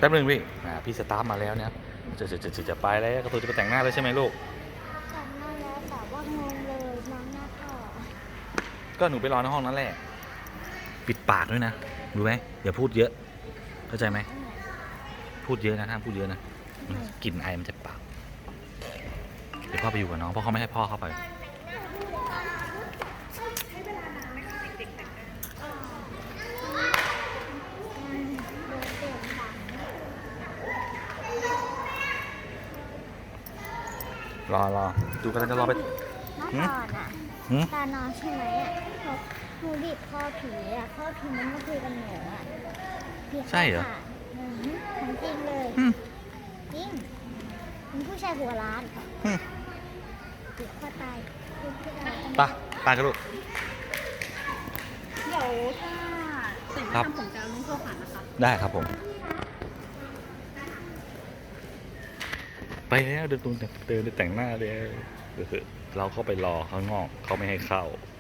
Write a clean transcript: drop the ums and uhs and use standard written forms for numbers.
ป๊บนึงพี่พี่สตาร์ทมาแล้วเนี่ยจะไปแล้วก็ตัวจะไปแต่งหน้าแล้วใช่ไหมลูกแต่งหน้าแล้วแต่ว่างงเลยน้องหน้าพ่อก็หนูไปรอในห้องนั่นแหละปิดปากด้วยนะรู้ไหมอย่าพูดเยอะเข้าใจไหมพูดเยอะนะห้ามพูดเยอะนะกลิ่นไอมันจะปากเดี๋ยวพ่อไปอยู่กับน้องเพราะเขาไม่ให้พ่อเข้าไปรอดูกันจะรอไปเมื่อก่อนอ่ะตานอนใช่ไหมอ่ะหนูบีบคอผีอ่ะคอผีมันมาคุยกับหนูอ่ะใช่เหรอของจริงเลยจริงเป็นผู้ชายหัวล้านบีบคอตายตายกันลูกเดี๋ยวถ้าเสร็จแล้วทำผมจะเอาน้องโทรหานะคะได้ครับผมไปแล้วเดินแต่งหน้าเลยเราเข้าไปรอข้างนอกเขาไม่ให้เข้า